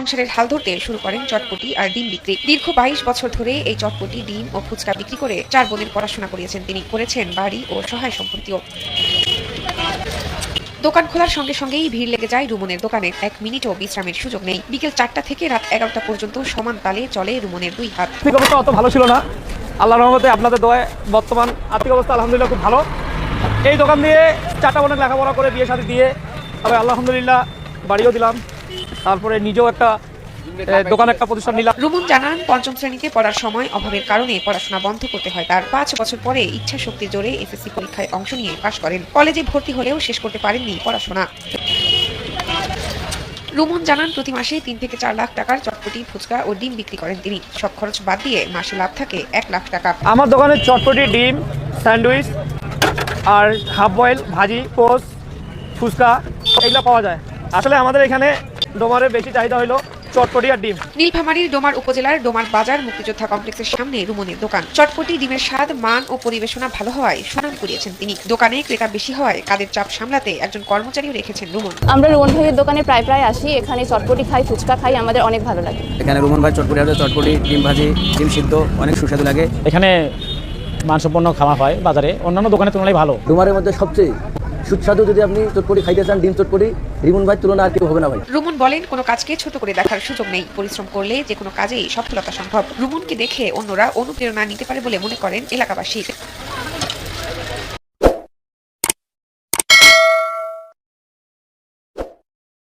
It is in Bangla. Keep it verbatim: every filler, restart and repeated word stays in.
সংসারের হাল ধরতে শুরু করেন চটপটি আর ডিম বিক্রি। দীর্ঘ বাইশ বছর ধরে এই চটপটি, ডিম ও ফুচকা বিক্রি করে চার বোনের পড়াশোনা করিয়েছেন তিনি। করেছেন বাড়ি ও সহায় সম্পত্তিও। দোকান খোলার সঙ্গে সঙ্গেই ভিড় লেগে যায় রুমনের দোকানে। এক মিনিটও বিশ্রামের সুযোগ নেই। বিকেল চারটা থেকে রাত এগারোটা পর্যন্ত সমান তালে চলে রুমনের দুই হাত। আর্থিক অবস্থা অত ভালো ছিল না, আল্লাহর রহমতে আপনাদের দোয়ায় বর্তমান আর্থিক অবস্থা আলহামদুলিল্লাহ খুব ভালো। এই দোকান দিয়ে চারটা বোনের লেখাপড়া করে বিয়ে শাদী দিয়ে তবে আলহামদুলিল্লাহ বাড়িও দিলাম, তারপরে নিজেও একটা দোকান একটা প্রতিষ্ঠান নিলাম। রুমন জানান, পঞ্চম শ্রেণীতে পড়ার সময় অভাবের কারণে পড়াশোনা বন্ধ করতে হয় তার। পাঁচ বছর পরে ইচ্ছা শক্তির জোরে এসএসসি পরীক্ষায় অংশ নিয়ে পাশ করেন। কলেজে ভর্তি হলেও শেষ করতে পারেননি পড়াশোনা। রুমন জানান, প্রতি মাসে তিন থেকে চার লাখ টাকার চটপটি, ফুচকা ও ডিম বিক্রি করেন তিনি। সব খরচ বাদ দিয়ে মাসে লাভ থাকে এক লাখ টাকা। আমার দোকানে চটপটি, ডিম, স্যান্ডউইচ আর হাফ বয়েল, ভাজি, পোস্ট, ফুচকা এগুলো পাওয়া যায়। আসলে আমাদের এখানে ডোমারের বেশি চাহিদা হলো চটপটি আর ডিম। নীলফামারীর ডোমার উপজেলার ডোমার বাজার মুক্তিযোদ্ধা কমপ্লেক্সের সামনে রুমনের দোকান। চটপটি, ডিমের স্বাদ, মান ও পরিবেশনা ভালো হওয়ায় সুনাম কুড়িয়েছেন তিনি। দোকানে ক্রেতা বেশি হওয়ায় কাজের চাপ সামলাতে একজন কর্মচারীও রেখেছেন রুমন। আমরা রুমন ভাইয়ের দোকানে প্রায় প্রায় আসি। এখানে চটপটি খাই, ফুচকা খাই, আমাদের অনেক ভালো লাগে। এখানে রুমন ভাই চটপটি আছে, চটপটি, ডিম ভাজি, ডিম সিদ্ধ অনেক সুস্বাদু লাগে। এখানে মানসম্পন্ন খাওয়া হয় বাজারে অন্যান্য দোকানের তুলনায় ভালো। ডোমারের মধ্যে সবচেয়ে সুস্বাদু যদি আপনি চটপটি খাইতে চান, ডিম চটপটি, রিমন ভাই তুলনা আর কেউ হবে না ভাই। রুমন বলেন, কোনো কাজকে ছোট করে দেখার সুযোগ নেই। পরিশ্রম করলে যে কোনো কাজেই সফলতা সম্ভব। রুমনকে দেখে অন্যরা অনুপ্রেরণা নিতে পারে বলে মনে করেন এলাকাবাসী।